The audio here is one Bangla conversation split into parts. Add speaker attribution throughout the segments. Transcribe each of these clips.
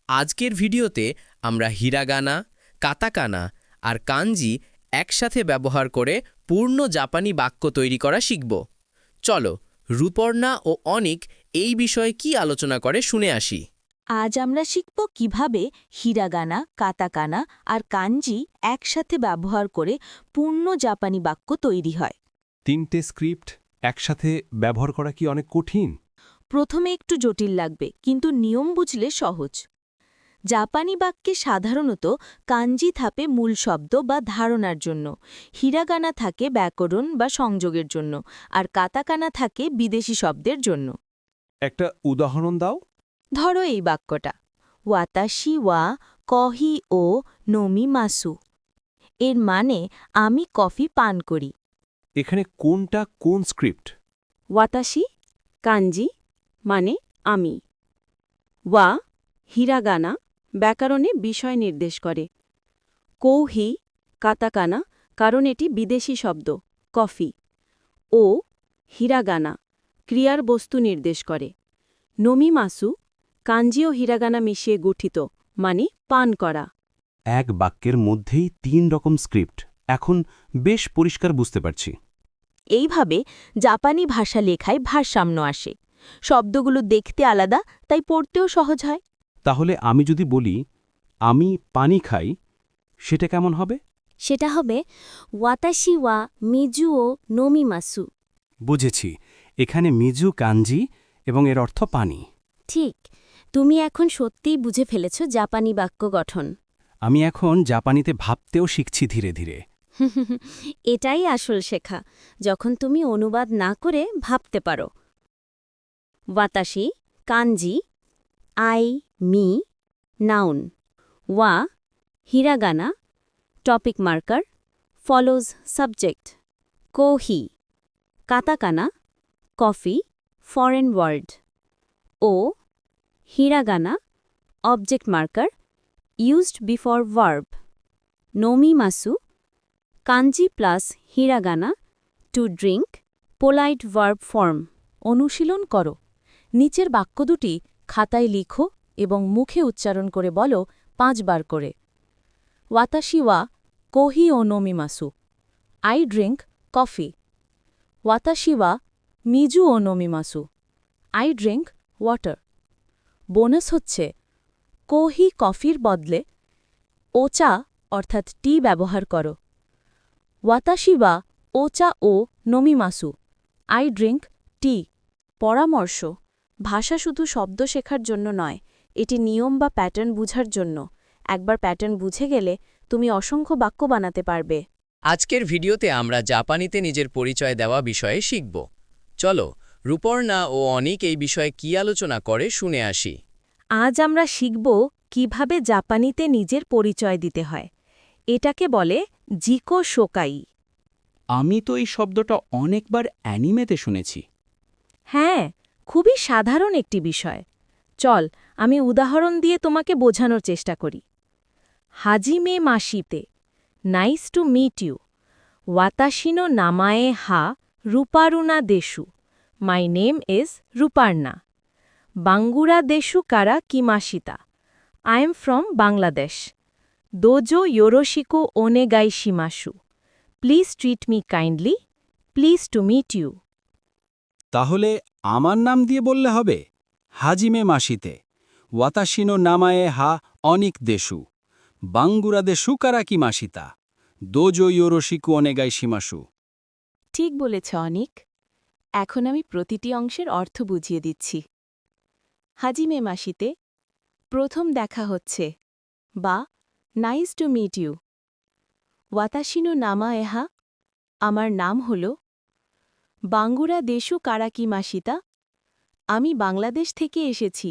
Speaker 1: আজকের ভিডিওতে আমরা হিরাগানা, কাতাকানা আর কাঞ্জি একসাথে ব্যবহার করে পূর্ণ জাপানি বাক্য তৈরি করা শিখব। চলো রূপর্ণা ও অনিক এই বিষয়ে কি আলোচনা করে শুনে আসি।
Speaker 2: আজ আমরা শিখব কিভাবে হিরাগানা, কাতাকানা আর কাঞ্জি একসাথে ব্যবহার করে পূর্ণ জাপানি বাক্য তৈরি হয়।
Speaker 3: 3টে স্ক্রিপ্ট একসাথে ব্যবহার করা কি অনেক কঠিন?
Speaker 2: প্রথমে একটু জটিল লাগবে, কিন্তু নিয়ম বুঝলে সহজ। জাপানি বাক্যে সাধারণত কাঞ্জি থাকে মূল শব্দ বা ধারণার জন্য, হিরাগানা থাকে ব্যাকরণ বা সংযোগের জন্য, আর কাতাকানা থাকে বিদেশি শব্দের জন্য।
Speaker 3: একটা উদাহরণ দাও।
Speaker 2: ধরো এই বাক্যটা, ওয়াতাশি ওয়া কহি ও নোমি মাসু। এর মানে আমি কফি পান করি।
Speaker 3: এখানে কোনটা কোন স্ক্রিপ্ট?
Speaker 4: ওয়াতাশি কাঞ্জি মানে আমি, ওয়া হিরাগানা ব্যাকরণে বিষয় নির্দেশ করে, কৌহি কাতাকানা কারণ এটি বিদেশি শব্দ কফি, ও হিরাগানা ক্রিয়ার বস্তু নির্দেশ করে, নোমিমাসু কাঞ্জি ও হিরাগানা মিশিয়ে গঠিত মানে পান করা।
Speaker 3: এক বাক্যের মধ্যেই 3 রকম স্ক্রিপ্ট, এখন বেশ পরিষ্কার বুঝতে পারছি।
Speaker 2: এইভাবে জাপানি ভাষা লেখায় ভারসাম্য আসে। শব্দগুলো দেখতে আলাদা, তাই পড়তেও সহজ হয়।
Speaker 3: তাহলে আমি যদি বলি আমি পানি খাই, সেটা কেমন হবে?
Speaker 5: সেটা হবে ওয়াতাশি ওয়া মিজু ও নোমিমাসু।
Speaker 3: বুঝেছি, এখানে মিজু কাঞ্জি এবং এর অর্থ পানি।
Speaker 5: ঠিক, তুমি এখন সত্যিই বুঝে ফেলেছ জাপানি বাক্য গঠন।
Speaker 3: আমি এখন জাপানিতে ভাবতেও শিখছি ধীরে ধীরে।
Speaker 5: এটাই আসল শেখা, যখন তুমি অনুবাদ না করে ভাবতে পারো। ওয়াতাশি কাঞ্জি, আই মি নাউন, ওয়া hiragana topic marker follows subject, কোহি কাতাকানা কফি ফরেন ওয়ার্ড, ও hiragana object marker used before verb, নোমিমাসু kanji plus hiragana to drink polite verb form.
Speaker 2: অনুশীলন করো। নিচের বাক্য দুটি খাতায় লিখো এবং মুখে উচ্চারণ করে বলো 5 বার করে। ওয়াতাশি ওয়া কোহি ও নোমিমাসু। I drink coffee. ওয়াতাশি ওয়া মিজু ও নোমিমাসু। I drink water. বোনাস হচ্ছে কোহি কফির বদলে ওচা অর্থাৎ টি ব্যবহার করো। ওয়াতাশি ওয়া ওচা ও নোমিমাসু। I drink tea. পরামর্শ, ভাষা শুধু শব্দ শেখার জন্য নয়, এটি নিয়ম বা প্যাটার্ন বুঝার জন্য। একবার প্যাটার্ন বুঝে গেলে তুমি অসংখ্য বাক্য বানাতে পারবে।
Speaker 1: আজকের ভিডিওতে আমরা জাপানিতে নিজের পরিচয় দেওয়া বিষয়ে শিখব। চলো রূপর্ণা ও অনিক এই বিষয়ে কি আলোচনা করে শুনে আসি।
Speaker 2: আজ আমরা শিখব কিভাবে জাপানিতে নিজের পরিচয় দিতে হয়। এটাকে বলে জিকো শোকাই।
Speaker 6: আমি তো এই শব্দটা অনেকবার অ্যানিমেতে শুনেছি।
Speaker 2: হ্যাঁ, খুবই সাধারণ একটি বিষয়। চল আমি উদাহরণ দিয়ে তোমাকে বোঝানোর চেষ্টা করি। হাজিমে মাসিতে, নাইস টু মিট ইউ। ওয়াতাশিনো নামায়ে হা রূপারুনা দেশু। My name is Ruparna. বাঙ্গুরা দেশু কারা কিমাশিতা। I am from Bangladesh. দোজো ইয়োরোশিকো ওনেগাই শিমাসু। Please treat me kindly. Please to meet you.
Speaker 6: তাহলে আমার নাম দিয়ে বললে হবে, হাজিমে মাসিতে, ওয়াতাশিনো নামায়ে হা অনিক দেশু, বাঙ্গুরা দেশু কারাকি মাসিতা, দোজো ইয়োরোশিকু অনেগাই শিমাসু।
Speaker 2: ঠিক বলেছ অনিক। এখন আমি প্রতিটি অংশের অর্থ বুঝিয়ে দিচ্ছি। হাজিমে মাসিতে, প্রথম দেখা হচ্ছে, বা নাইস টু মিট ইউ। ওয়াতাশিনো নামা এহা, আমার নাম হল। বাঙ্গুরা দেশু কারাকি মাসিতা, আমি বাংলাদেশ থেকে এসেছি।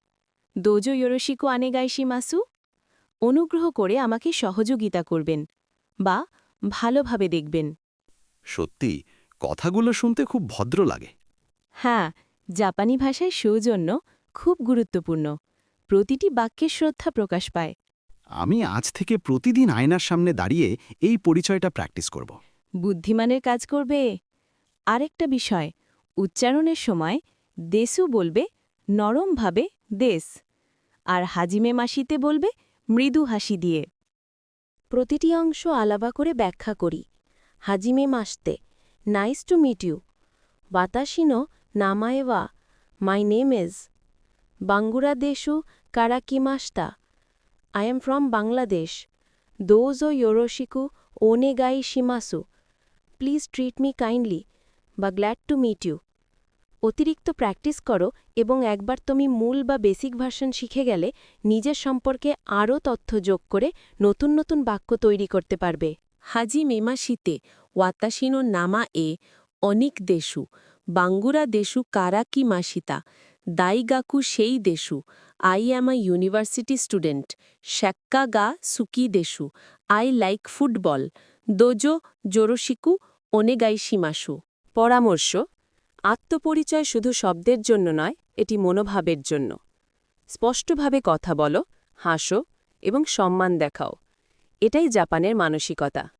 Speaker 2: দোজো ইয়োরোশিকো আনেগাইশি মাসু, অনুগ্রহ করে আমাকে সহযোগিতা করবেন বা ভালোভাবে দেখবেন।
Speaker 7: সত্যি কথাগুলো শুনতে খুব ভদ্র লাগে।
Speaker 2: হ্যাঁ, জাপানি ভাষায় সৌজন্য খুব গুরুত্বপূর্ণ। প্রতিটি বাক্যে শ্রদ্ধা প্রকাশ পায়।
Speaker 7: আমি আজ থেকে প্রতিদিন আয়নার সামনে দাঁড়িয়ে এই পরিচয়টা প্র্যাকটিস করব।
Speaker 2: বুদ্ধিমানের কাজ করবে। আরেকটা বিষয়, উচ্চারণের সময় দেশু বলবে নরমভাবে দেশ,
Speaker 4: আর হাজিমে মাসিতে বলবে মৃদু হাসি দিয়ে।
Speaker 2: প্রতিটি অংশ আলাদা করে ব্যাখ্যা করি। হাজিমে মাসতে, নাইস টু মিট ইউ। ওয়াতাশি নো নামায়ে ওয়া, মাই নেম ইজ। বাংলাদেশু কারাকিমাস্তা, আই এম ফ্রম বাংলাদেশ। দোজো ইয়োরোশিকু ওনেগাই শিমাসু, প্লিজ ট্রিট মি কাইন্ডলি বা গ্ল্যাড টু মিট ইউ। অতিরিক্ত প্র্যাকটিস করো এবং একবার তুমি মূল বা বেসিক ভার্সন শিখে গেলে নিজের সম্পর্কে আরও তথ্য যোগ করে নতুন নতুন বাক্য তৈরি করতে পারবে।
Speaker 4: হাজিমে মাসিতে ওয়াতাশিনো নামা এ অনিক দেশু, বাঙ্গুরা দেশু কারাকি মাসিতা, দাইগাকু সেই দেশু, I am a university student, শ্যাক্কা গা সুকি দেশু, আই লাইক ফুটবল, দোজো জোরোশিকু ওনেগাই শিমাসু। পরামর্শ: আত্মপরিচয় শুধু শব্দের জন্য নয়, এটি মনোভাবের জন্য। স্পষ্টভাবে কথা বলো, হাসো এবং সম্মান দেখাও। এটাই জাপানের মানসিকতা।